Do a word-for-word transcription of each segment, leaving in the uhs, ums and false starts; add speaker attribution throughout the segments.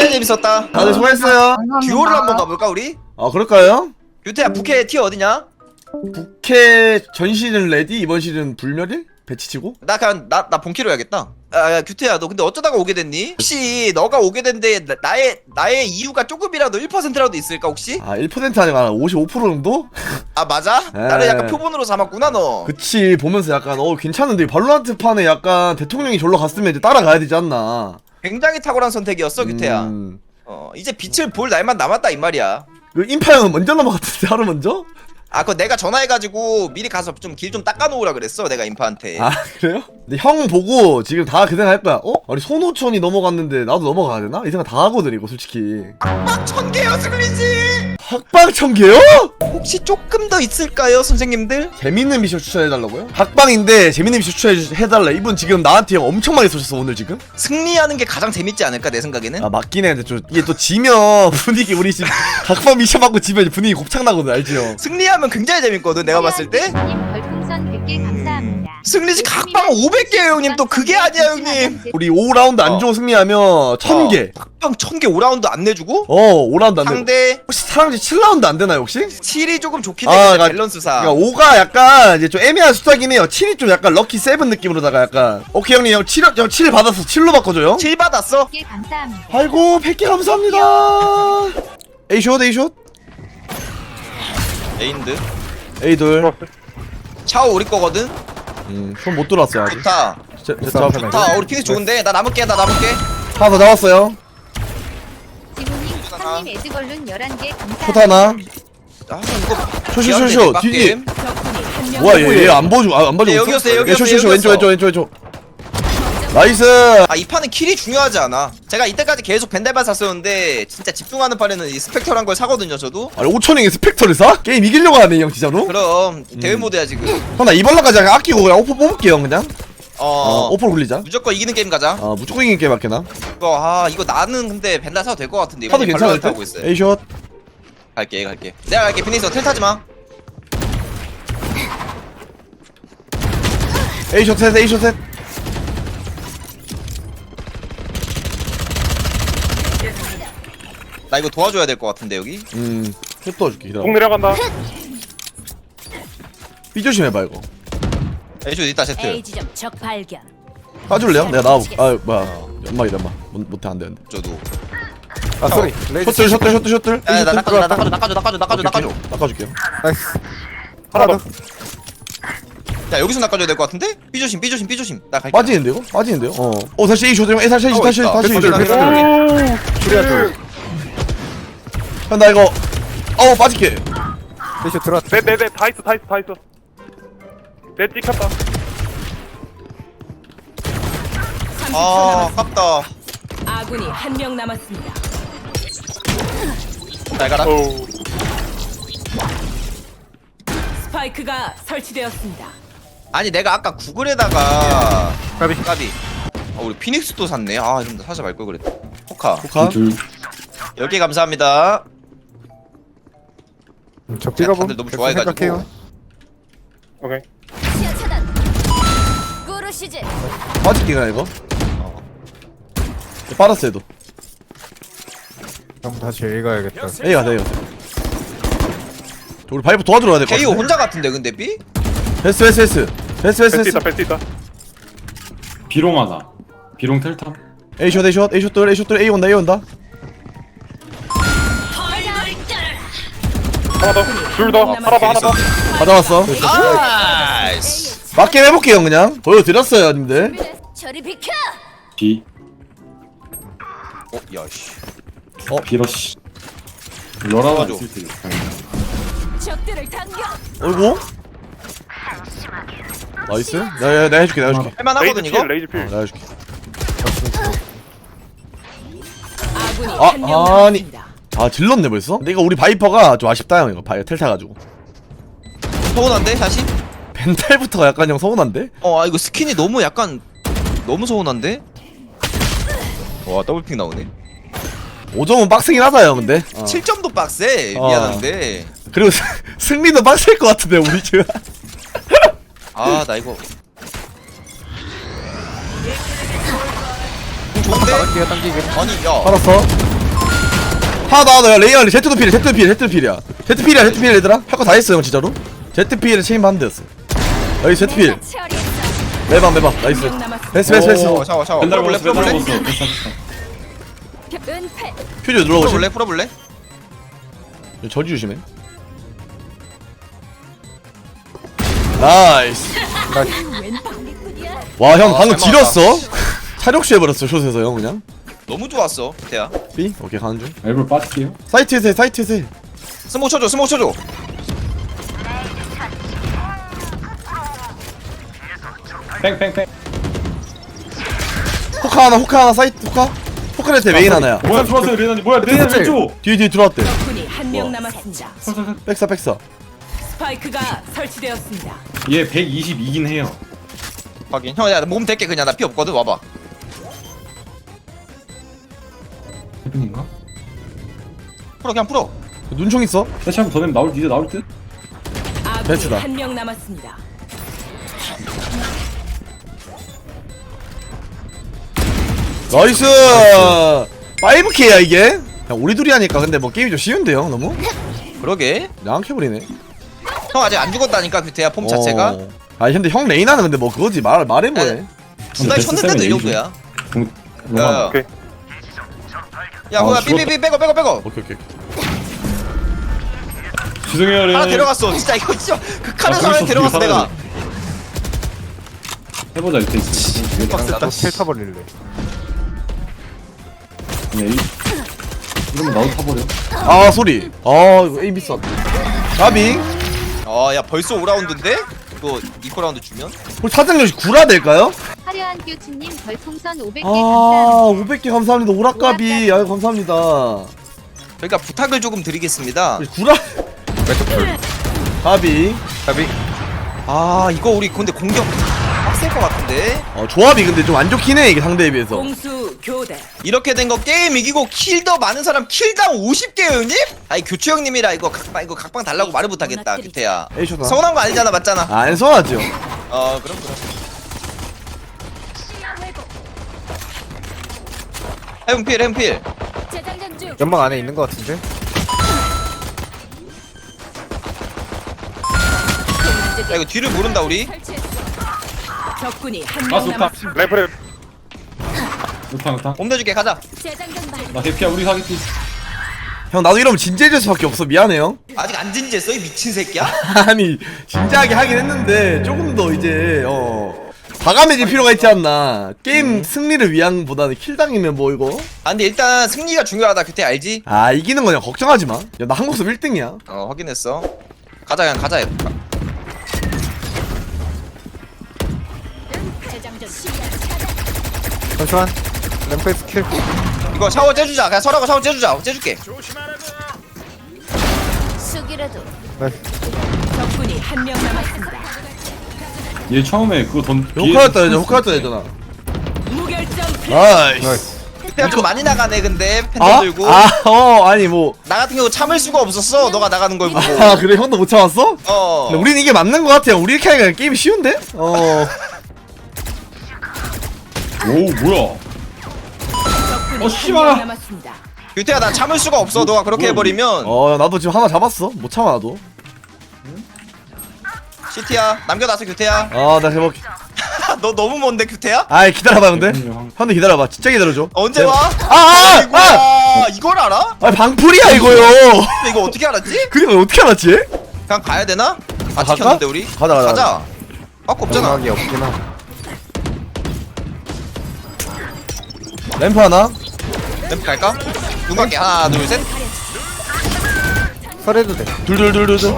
Speaker 1: 재밌었다.
Speaker 2: 다들 수고했어요.
Speaker 1: 듀오를 한번 가볼까 우리?
Speaker 2: 아 그럴까요?
Speaker 1: 유태야 부캐 티어 어디냐?
Speaker 2: 부캐 전 시즌 레디 이번 시즌 불멸일? 배치치고?
Speaker 1: 나 그냥 나 나 본캐로 해야겠다. 아, 야, 규태야, 너 근데 어쩌다가 오게 됐니? 혹시 너가 오게 된 데 나의 나의 이유가 조금이라도 일 퍼센트라도 있을까 혹시?
Speaker 2: 아 일 퍼센트 아니라 오십오 퍼센트 정도?
Speaker 1: 아 맞아?
Speaker 2: 에.
Speaker 1: 나를 약간 표본으로 삼았구나 너.
Speaker 2: 그치 보면서 약간 어 괜찮은데 발로란트 판에 약간 대통령이 절로 갔으면 이제 따라가야 되지 않나.
Speaker 1: 굉장히 탁월한 선택이었어 규태야.
Speaker 2: 음,
Speaker 1: 어 이제 빛을 볼 날만 남았다 이 말이야.
Speaker 2: 그 인파 형은 먼저 넘어갔던데 하루 먼저?
Speaker 1: 아 그거 내가 전화해가지고 미리 가서 좀 길 좀 닦아놓으라 그랬어 내가 인파한테.
Speaker 2: 아 그래요? 근데 형 보고 지금 다 그 생각 할 거야. 어? 아니 손오천이 넘어갔는데 나도 넘어가야 되나? 이 생각 다 하거든 이거 솔직히.
Speaker 1: 막 천 개요 스글리지.
Speaker 2: 학방 천 개요?
Speaker 1: 혹시 조금 더 있을까요 선생님들?
Speaker 2: 재밌는 미션 추천해달라고요? 학방인데 재밌는 미션 추천해달라. 이분 지금 나한테 형 엄청 많이 쏘셨어 오늘 지금?
Speaker 1: 승리하는 게 가장 재밌지 않을까 내 생각에는.
Speaker 2: 아 맞긴 해. 근데 좀 이게 또 지면 분위기 우리 지금 학방 미션 받고 지면 분위기 곱창 나거든 알지 형?
Speaker 1: 승리하면 굉장히 재밌거든 내가 봤을 때.
Speaker 3: 님 별풍선 백 개 감사합니다.
Speaker 1: 승리지 각방 오백 개요 형님. 또 그게 아니야 형님.
Speaker 2: 우리 오 라운드 안 주고 승리하면 천 개.
Speaker 1: 각방 천 개 오 라운드 안 내주고?
Speaker 2: 어 오 라운드 안 되고.
Speaker 1: 상대
Speaker 2: 혹시 사랑지 칠 라운드 안 되나요 혹시?
Speaker 1: 칠이 조금 좋긴
Speaker 2: 아,
Speaker 1: 해.
Speaker 2: 그러니까-
Speaker 1: 밸런스상.
Speaker 2: 그러니까 오가 약간 이제 좀 애매한 숫자긴 해요. 칠이 좀 약간 럭키 세븐 느낌으로다가 약간 오케이 형님 형 칠, 형 칠 받았어. 칠로 바꿔줘요.
Speaker 1: 칠 받았어?
Speaker 3: 백 개 감사합니다.
Speaker 2: 아이고 백 개 감사합니다. A숏 A숏
Speaker 1: 에인드.
Speaker 2: A돌.
Speaker 1: 샤오 우리 거거든?
Speaker 2: 음손 못 들어왔어요 아직.
Speaker 1: 좋다.
Speaker 2: 제, 제, 저,
Speaker 1: 좋다. 우리 피닉스 좋은데? 나 남을게 나 남을게.
Speaker 2: 하나 더 나왔어요.
Speaker 3: 지훈님, 형님 에드걸룬 열한 개 감사합니다.
Speaker 2: 숏 하나.
Speaker 1: 아 이거
Speaker 2: 쇼쇼
Speaker 1: 미안해,
Speaker 2: 쇼쇼
Speaker 1: 빡
Speaker 2: 뒤뒤.
Speaker 1: 게임.
Speaker 2: 뭐야 얘 얘 안 보여주고 아, 안 봐주고
Speaker 1: 예,
Speaker 2: 있어?
Speaker 1: 여기였어요,
Speaker 2: 예,
Speaker 1: 여기였어요,
Speaker 2: 쇼, 쇼, 쇼, 왼쪽
Speaker 1: 여기였어.
Speaker 2: 왼쪽 왼쪽 왼쪽. 나이스.
Speaker 1: 아 이 판은 킬이 중요하지 않아. 제가 이때까지 계속 벤달만 샀었는데 진짜 집중하는 판에는 이 스펙터란 걸 사거든요 저도.
Speaker 2: 아니 오천행에 스펙터를 사? 게임 이기려고 하네 형 진짜로?
Speaker 1: 그럼
Speaker 2: 음.
Speaker 1: 대회 모드야 지금.
Speaker 2: 형 나 이번 라까지 그냥 아끼고 그냥 오퍼 뽑을게요 그냥.
Speaker 1: 어,
Speaker 2: 어 오퍼 굴리자.
Speaker 1: 무조건 이기는 게임 가자.
Speaker 2: 아 무조건 이긴 게임 할게나.
Speaker 1: 이거 아 이거 나는 근데 벤달 사도 될 것 같은데
Speaker 2: 하도
Speaker 1: 이번에
Speaker 2: 괜찮을
Speaker 1: 발로란트
Speaker 2: 때?
Speaker 1: 하고 있어요.
Speaker 2: A숏.
Speaker 1: 갈게 갈게. 내가 갈게. 피닉스 텔 타지 마.
Speaker 2: A숏 셋 A숏 셋.
Speaker 1: 나 이거 도와줘야 될 것 같은데 여기.
Speaker 2: 음. 슛 떠줄게 기다려.
Speaker 4: 공 내려간다.
Speaker 2: B 조심해봐 이거.
Speaker 1: 에이쇼 있다 세트.
Speaker 5: A 지점 적 발견.
Speaker 2: 까줄래요? 내가 나와볼게. 아 뭐야 연막이다 연막. 못- 못해 안돼 안돼.
Speaker 1: 저도.
Speaker 6: 아 쏘리 레이즈
Speaker 2: 셔틀 셔틀 셔틀 셔틀.
Speaker 1: 야, 나
Speaker 2: A숏
Speaker 1: 낚아줘, 나 낚아줘, 낚아줘, 낚아줘, 낚아줘, 낚아줘.
Speaker 2: 낚아줄게요.
Speaker 6: 나이스
Speaker 4: 하나
Speaker 6: 하나
Speaker 4: 더.
Speaker 6: 더
Speaker 1: 야, 여기서 낚아줘야 될 것 같은데? 삐 조심, 삐 조심, 삐 조심. 나 갈게.
Speaker 2: 빠지는데요? 이거? 빠지는데요? 어. 어 다시 A숏 형. 다시 다시
Speaker 1: 하고
Speaker 2: 다시
Speaker 1: 있다.
Speaker 2: 다시.
Speaker 1: 됐어,
Speaker 2: 다시.
Speaker 1: 됐어, 됐어.
Speaker 6: 둘이야 둘
Speaker 2: 형 나 이거. 어우 빠질게.
Speaker 6: 레이즈 들어왔다
Speaker 4: 네네네 다 있어 다 있어 다 있어. 네 찍혔다.
Speaker 1: 아, 아깝다.
Speaker 5: 아군이 한 명 남았습니다.
Speaker 1: 잘 가라.
Speaker 4: 오.
Speaker 5: 스파이크가 설치되었습니다.
Speaker 1: 아니, 내가 아까 구글에다가.
Speaker 6: 까비
Speaker 1: 까비. 아, 우리 피닉스도 샀네. 아, 좀 사지 말걸 그랬다. 포카.
Speaker 2: 포카.
Speaker 1: 열 개 감사합니다.
Speaker 6: 적지가
Speaker 1: 다들 너무 좋아해가지고.
Speaker 6: 생각해요
Speaker 4: 오케이.
Speaker 5: 시야 차단. 꾸르시즈.
Speaker 2: 빠질게 그냥 이거. 빨았어 얘도.
Speaker 6: 그럼 다시 A 가야겠다
Speaker 2: A 가자 A 가자. 우리 바이브 도와주러 가야 될것
Speaker 1: 케이오
Speaker 2: 같은데.
Speaker 1: 혼자 같은데, 근데 삐?
Speaker 2: 패스 패스 패스. 패스 패스
Speaker 4: 벨트
Speaker 2: 패스.
Speaker 4: 있다 벨트 있다.
Speaker 7: 비롱 하나. 비롱 텔탐.
Speaker 2: A숏 A숏 A숏 돌 A숏 돌 A 온다 A 온다.
Speaker 4: 하나 더. 둘 더. 하나 더 하나 더.
Speaker 2: 가져왔어.
Speaker 1: 나이스.
Speaker 2: 맞게 해볼게요 그냥. 보여드렸어요 님들.
Speaker 5: 저리 비켜.
Speaker 7: 비.
Speaker 1: 어, 야, 씨.
Speaker 7: 비러시. 러라가
Speaker 1: 맞아.
Speaker 7: 있을 때.
Speaker 5: 적들을 당겨.
Speaker 2: 어이구. 나이스. 내가 내가 해줄게 내가 해줄게.
Speaker 1: 할만하거든,
Speaker 4: 레이즈
Speaker 1: 이거?
Speaker 4: 필 레이즈
Speaker 2: 어,
Speaker 4: 필.
Speaker 2: 내가 해줄게.
Speaker 5: 아군이
Speaker 2: 아,
Speaker 5: 한 명
Speaker 2: 아니.
Speaker 5: 남았습니다.
Speaker 2: 아 질렀네 벌써? 근데 이거 우리 바이퍼가 좀 아쉽다 형 이거 바이 텔 타가지고.
Speaker 1: 서운한데, 다시?
Speaker 2: 벤탈부터가 약간 형 서운한데?
Speaker 1: 어, 아, 이거 스킨이 너무 약간. 너무 서운한데? 와, 더블픽 나오네.
Speaker 2: 오 점은 빡세긴 하다 형 근데. 어.
Speaker 1: 칠 점도 빡세.
Speaker 2: 어.
Speaker 1: 미안한데.
Speaker 2: 그리고 스- 승리도 빡셀 것 같은데 우리 지금.
Speaker 1: 아, 나 이거. 좋은데?
Speaker 6: 나갈게요 당기게
Speaker 1: 아니, 야.
Speaker 2: 알았어. 하나 더 하나 더. 야, 레이어 제트도 필이야 제트도 필이야 제트도 필이야 제트 필이야 제트 필 얘들아. 할 거 다 했어 형 진짜로. 제트 필에 체인 반대였어. 여기 제트 필.
Speaker 5: 처리했어.
Speaker 2: 매방 매방 나이스.
Speaker 5: 한명 남았습니다.
Speaker 2: 패스 패스 패스.
Speaker 1: 어 샤워 샤워.
Speaker 7: 맨날
Speaker 1: 풀어볼래
Speaker 7: 먹었어 맨날
Speaker 1: 풀어볼래?
Speaker 7: 먹었어 됐어 됐어
Speaker 5: 은폐.
Speaker 2: 퓨즈 눌러보시.
Speaker 1: 풀어볼래 풀어볼래?
Speaker 2: 저지 조심해. 나이스.
Speaker 5: 웬 방귀꾼이야?
Speaker 2: 와 형
Speaker 1: 아,
Speaker 2: 방금
Speaker 1: 잘
Speaker 2: 지렸어. 차력시 해버렸어 숏에서 형 그냥.
Speaker 1: 너무 좋았어 대야.
Speaker 2: B 오케이 가는 중.
Speaker 7: 일부러 빠질게요
Speaker 2: 사이트에서 해 사이트에서 해.
Speaker 1: 스모 쳐줘 스모 쳐줘.
Speaker 7: 뺑뺑뺑
Speaker 2: 호카 하나 호카 하나 사이트 호카. 호카한테 메인 하나야.
Speaker 7: 뭐야 들어왔어요 레나님 뭐야 레나 왼쪽
Speaker 2: 뒤에 뒤에 들어왔대.
Speaker 5: 적군이 한 명 남았습니다.
Speaker 2: 백사 백사.
Speaker 5: 스파이크가 설치되었습니다.
Speaker 7: 얘 백이십이긴 해요
Speaker 1: 확인. 형야몸 댈게 그냥 나 피 없거든 와봐.
Speaker 7: 해븐인가?
Speaker 1: 풀어 그냥 풀어.
Speaker 2: 눈총 있어.
Speaker 7: 대체 한번 더 내면 나올 이제 나올 듯?
Speaker 5: 아군이
Speaker 2: 배치다.
Speaker 5: 한 명 남았습니다.
Speaker 2: 나이스. 파이브 케이야 이게. 야, 우리 둘이 하니까 근데 뭐 게임이 좀 쉬운데요 너무?
Speaker 1: 그러게.
Speaker 2: 양캐버리네.
Speaker 1: 형 아직 안 죽었다니까 규태야 폼 자체가.
Speaker 2: 어. 아니 근데 형 레이나는 근데 뭐 그거지 말 말해 뭐해.
Speaker 1: 두달
Speaker 7: 베스트
Speaker 1: 쳤는데도
Speaker 7: 세븐
Speaker 1: 이
Speaker 7: 에이지.
Speaker 1: 정도야.
Speaker 7: 공
Speaker 1: 야,
Speaker 7: 로마
Speaker 4: 오케이.
Speaker 1: 야
Speaker 7: 아,
Speaker 1: 뭐야
Speaker 7: 죽었다.
Speaker 1: 삐삐삐 빼고 빼고 빼고.
Speaker 2: 오케이 오케이.
Speaker 7: 죄송해요 레나
Speaker 1: 하나 데려갔어. 진짜 이거 진짜 그 카드
Speaker 7: 아,
Speaker 1: 사람
Speaker 7: 거기서
Speaker 1: 데려갔어
Speaker 7: 뒤에
Speaker 1: 내가.
Speaker 7: 해보자 이때
Speaker 6: 나도 텔 타버릴래.
Speaker 7: 에이 이러면 나도 타버려
Speaker 2: 아 소리. 아 이거 에임 비싸. 가비.
Speaker 1: 어야 벌써 오 라운드인데? 이거 이코 라운드 주면?
Speaker 2: 우리 사장님 구라 될까요?
Speaker 3: 화려한 교수님 별풍선 오백 개
Speaker 2: 아
Speaker 3: 감사합니다.
Speaker 2: 오백 개 감사합니다. 오락가비. 아유 감사합니다.
Speaker 1: 그러니까 부탁을 조금 드리겠습니다.
Speaker 2: 우리 구라. 가비.
Speaker 6: 가비.
Speaker 1: 아 이거 우리 근데 공격 빡셀 것 같은데?
Speaker 2: 어 조합이 근데 좀 안 좋긴 해 이게 상대에 비해서.
Speaker 5: 공수 교대.
Speaker 1: 이렇게 된 거 게임 이기고 킬 더 많은 사람 킬당 오십 개 형님? 아니 교추 형님이라 이거 각방 이거 각방 달라고 말을 못하겠다 규태야.
Speaker 2: 에이쇼다.
Speaker 1: 서운한 거 아니잖아 맞잖아.
Speaker 2: 아, 안 서운하죠.
Speaker 1: 어 그럼 그럼. 해븐필 해븐필.
Speaker 5: 재장전 중.
Speaker 6: 연막 안에 있는 거 같은데?
Speaker 1: 야 이거 뒤를 모른다 우리.
Speaker 5: 설치했어. 적군이 한
Speaker 7: 아
Speaker 5: 명
Speaker 7: 좋다
Speaker 5: 남았습니다.
Speaker 4: 래프를
Speaker 7: 좋다 좋다
Speaker 1: 옮겨줄게 가자.
Speaker 5: 재장전 중.
Speaker 7: 나 대피야 우리 사겠지
Speaker 2: 형 나도 이러면 진지해질 수밖에 없어. 미안해요.
Speaker 1: 아직 안 진지했어 이 미친 새끼야?
Speaker 2: 아니 진지하게 하긴 했는데 조금 더 이제 어 과감해질 필요가 있지 않나. 게임 승리를 위한 보다는 킬당이면 뭐 이거.
Speaker 1: 아 근데 일단 승리가 중요하다 규태 알지?
Speaker 2: 아 이기는 거냐 걱정하지 마. 야 나 한국섭 일 등이야.
Speaker 1: 어 확인했어. 가자 그냥 가자.
Speaker 5: 재장전 시야 차단.
Speaker 6: 잠시만. 램프의 스킬.
Speaker 1: 이거 샤워 째주자. 그냥 설하고 샤워 째주자. 째줄게.
Speaker 5: 수기라도.
Speaker 6: 네.
Speaker 5: 적군이 한 명 남았습니다.
Speaker 7: 얘 처음에 그거 던
Speaker 2: 호카였다 했잖아. 호카였다 했잖아.
Speaker 5: 무결점 플레이.
Speaker 2: 나이스.
Speaker 6: 나이스.
Speaker 1: 규태야 좀 많이 나가네 근데 팬들
Speaker 2: 아?
Speaker 1: 들고.
Speaker 2: 아, 어, 아니 뭐.
Speaker 1: 나 같은 경우 참을 수가 없었어. 너가 나가는 걸 보고.
Speaker 2: 아, 그래 형도 못 참았어?
Speaker 1: 어.
Speaker 2: 근데 우린 이게 맞는 거 같아요. 우리 이렇게 하니까 게임이 쉬운데? 어.
Speaker 7: 오 뭐야
Speaker 5: 적군이
Speaker 7: 어, 씨발.
Speaker 5: 한 명 남았습니다.
Speaker 1: 규태야 나 참을 수가 없어. 너가 그렇게
Speaker 7: 뭐야,
Speaker 1: 해버리면.
Speaker 2: 어, 나도 지금 하나 잡았어. 못 참아 나도.
Speaker 1: 시티야 남겨놨어 규태야.
Speaker 2: 아, 나 해볼게.
Speaker 1: 너 너무 먼데 규태야?
Speaker 2: 아이 기다려봐 근데.
Speaker 7: 형.
Speaker 2: 형들 기다려봐. 진짜 기다려줘.
Speaker 1: 언제
Speaker 2: 내가-
Speaker 1: 와?
Speaker 2: 아, 아, 아!
Speaker 1: 아이고야 이걸 알아?
Speaker 2: 아, 방풀이야 이거요.
Speaker 1: 근데 이거 어떻게 알았지?
Speaker 2: 그니까 어떻게 알았지?
Speaker 1: 그냥 가야 되나? 아
Speaker 2: 갈까?
Speaker 1: 지켰는데 우리?
Speaker 2: 가자, 가자,
Speaker 1: 가자. 아까 없잖아.
Speaker 6: 연막이 없긴 하.
Speaker 2: 램프 하나.
Speaker 1: 램프 갈까? 눈 갈게 하나 둘 셋.
Speaker 6: 설해도 돼.
Speaker 2: 둘둘둘둘둘.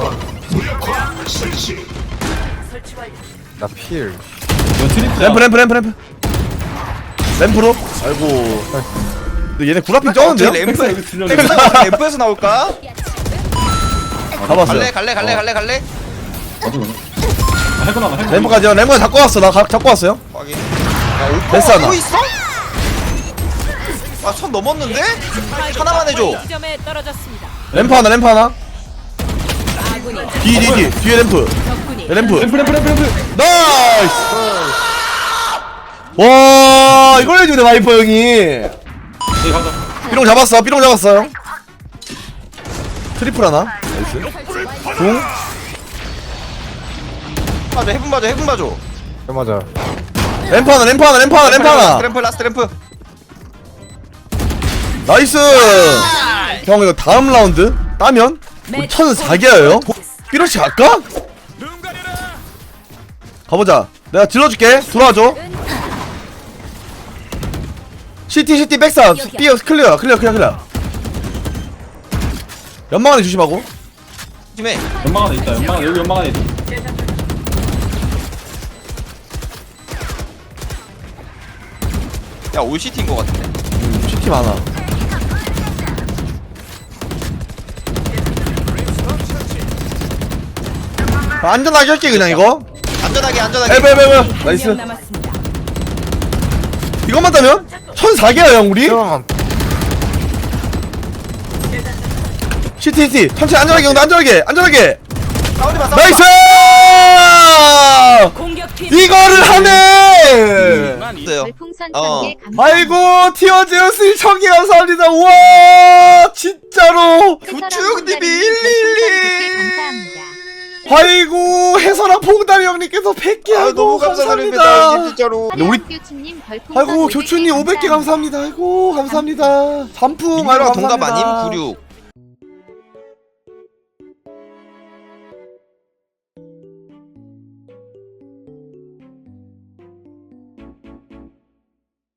Speaker 6: 나 필.
Speaker 7: 너 트리플
Speaker 2: 램프 램프 램프 램프. 램프로. 아이고. 근데 얘네 구라핑 쩌는데요?
Speaker 1: 램프
Speaker 7: 여기 들렸네.
Speaker 1: 램프에서 나올까?
Speaker 2: 잡았어요.
Speaker 1: 갈래 갈래 갈래 갈래 갈래.
Speaker 7: 나도 그래 아, 해보나 봐 해보나
Speaker 2: 램프까지요. 램프 잡고 왔어. 나 가, 잡고 왔어요.
Speaker 1: 확인. 야 오빠
Speaker 2: 됐어, 하나.
Speaker 1: 또 있어? 아선 넘었는데? 하나만 해줘.
Speaker 5: 점에 떨어졌습니다.
Speaker 2: 램프 하나 램프 하나.
Speaker 5: 아군이
Speaker 2: 뒤 뒤 뒤 뒤에 램프.
Speaker 5: 적군이
Speaker 2: 야, 램프.
Speaker 7: 램프 램프 램프 램프
Speaker 2: 나이스. 와 이걸 해주네 와이퍼 형이.
Speaker 7: 예 가자
Speaker 2: 삐롱 잡았어. 삐롱 잡았어요. 트리플 하나. 나이스. 공.
Speaker 1: 봐줘 해븐 봐줘 해븐 봐줘.
Speaker 6: 네, 맞아.
Speaker 2: 램프 하나, 램프 하나, 램프 하나, 램프 하나.
Speaker 1: 램프 라스트 램프.
Speaker 2: 나이스. 형 이거 다음 라운드 따면 우리 천사 개예요. 삐러시 갈까? 가보자. 내가 질러줄게. 들어와줘. 시티 시티 백사 B 클리어 클리어 클리어 클리어. 연막 안에 조심하고.
Speaker 1: 조심해.
Speaker 7: 연막 안에 있다. 연막 안에 여기 연막 안에 있다.
Speaker 1: 야 올시티인 거 같은데.
Speaker 2: 음, 시티 많아. 아, 안전하게 할게 그냥 이거.
Speaker 1: 안전하게 안전하게.
Speaker 2: 에베 에베 에베.
Speaker 5: 한명
Speaker 2: 나이스.
Speaker 5: 남았습니다.
Speaker 2: 이것만 따면 천사 개야 형 우리.
Speaker 6: 형,
Speaker 2: 시티 시티 천천히 안전하게 형 안전하게 안전하게.
Speaker 1: 싸우지 마 싸우지 마.
Speaker 2: 나이스.
Speaker 5: 공격 팀
Speaker 2: 이거를 하네.
Speaker 1: 있어요.
Speaker 3: 별풍선
Speaker 1: 어.
Speaker 3: 천 개 감사합니다.
Speaker 2: 아이고 티어제우스 청개 감사합니다. 와 진짜로.
Speaker 1: 구축님이 일일이.
Speaker 3: 감사합니다.
Speaker 2: 아이고 해설아 봉다리 형님께서 백 개
Speaker 1: 아
Speaker 2: 아이고
Speaker 1: 너무 감사드립니다.
Speaker 2: 감사합니다.
Speaker 1: 진짜로.
Speaker 2: 우리-
Speaker 3: 우리 교수님 별풍선
Speaker 2: 아이고 교추님 오백 개 감사합니다. 아이고 감사합니다. 단풍 아이고
Speaker 1: 민규랑 동갑
Speaker 2: 감사합니다.
Speaker 1: 아님? 구십육.